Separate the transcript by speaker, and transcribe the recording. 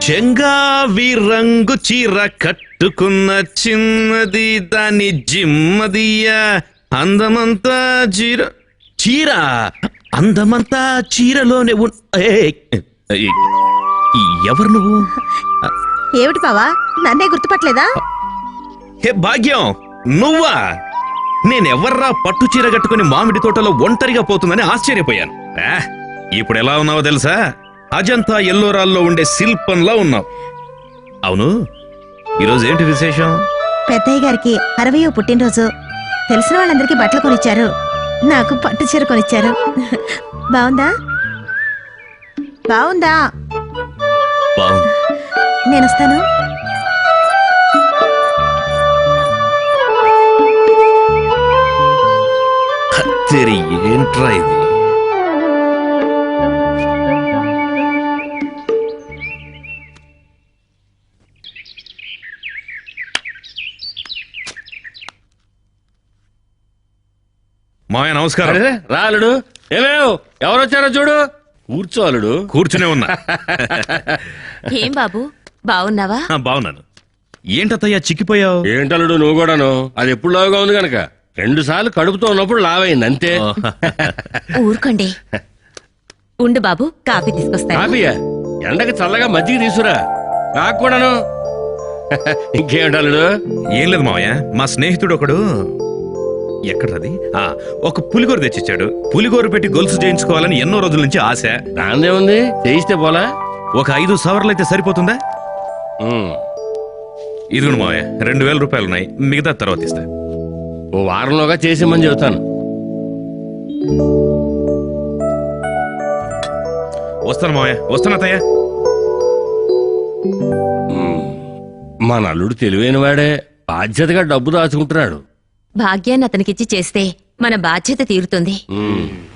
Speaker 1: చెంగావి రంగు చీర కట్టుకున్న చిన్నది దాని జిమ్మదియా అందమంతా చీర అందమంతా చీరలోనే ఎవరు నువ్వు?
Speaker 2: ఏమిటి బావా, నన్నే గుర్తుపట్టలేదా?
Speaker 1: హే భాగ్యం, నువ్వా? నేనెవర్రా పట్టు చీర కట్టుకుని మామిడి తోటలో ఒంటరిగా పోతుందని ఆశ్చర్యపోయాను. ఇప్పుడు ఎలా ఉన్నావో తెలుసా? అజంతా ఎల్లోరాల్లో ఉండే శిల్పంలా ఉన్నావు. అవును, ఈరోజు ఏంటి విశేషం?
Speaker 2: పెద్దయ్య గారికి 60వ పుట్టినరోజు. తెలిసిన వాళ్ళందరికీ బట్టలు కొనిచ్చారు, నాకు పట్టు చీర కొనిచ్చారు. బాగుందా? బాగుందా?
Speaker 1: బాగుంది.
Speaker 2: నేను వస్తాను.
Speaker 1: కత్తెరి ఏంట్రా ఇది? మాయ నమస్కారం.
Speaker 3: రాలుడు ఏమేవ్, ఎవరొచ్చారో చూడు. కూర్చోలుడు.
Speaker 1: కూర్చునే ఉన్నా.
Speaker 4: ఏం బాబు, బాగున్నావా?
Speaker 1: బాగున్నాను. ఏంటత్తయ్యా చిక్కిపోయావు?
Speaker 3: ఏంటలుడు నువ్వు కూడాను? అది ఎప్పుడు లావుగా ఉంది గనక 2 సార్లు కడుపుతో ఉన్నప్పుడు లావైంది అంతే.
Speaker 4: ఊరుకోండి. ఉండు బాబు, కాఫీ తీసుకొస్తా.
Speaker 3: కాఫీయా? ఎండకి చల్లగా మజ్జిగ తీసురా. నాకు కూడాను. ఇంకేంటలుడు?
Speaker 1: ఏం లేదు మావయ్య, మా స్నేహితుడు ఒకడు ఎక్కడది ఒక పులిగోరు తెచ్చిచ్చాడు. పులిగోరు పెట్టి గొలుసు చేయించుకోవాలని ఎన్నో రోజుల నుంచి ఆశ.
Speaker 3: దాందే ఉంది, చేయిస్తే పోలా?
Speaker 1: ఒక 5 సవర్లు అయితే సరిపోతుందా? ఇదిగోండి మావయ్య, 2000 రూపాయలు ఉన్నాయి, మిగతా తర్వాత ఇస్తా.
Speaker 3: ఓ వారంలోగా చేసేమని చెబుతాను.
Speaker 1: వస్తాను మావయ్య, వస్తాను అత్తయ్య.
Speaker 3: మా నల్లుడు తెలివైన వాడే, బాధ్యతగా డబ్బు దాచుకుంటున్నాడు.
Speaker 4: భాగ్యాన్ని అతనికిచ్చి చేస్తే మన బాధ్యత తీరుతుంది.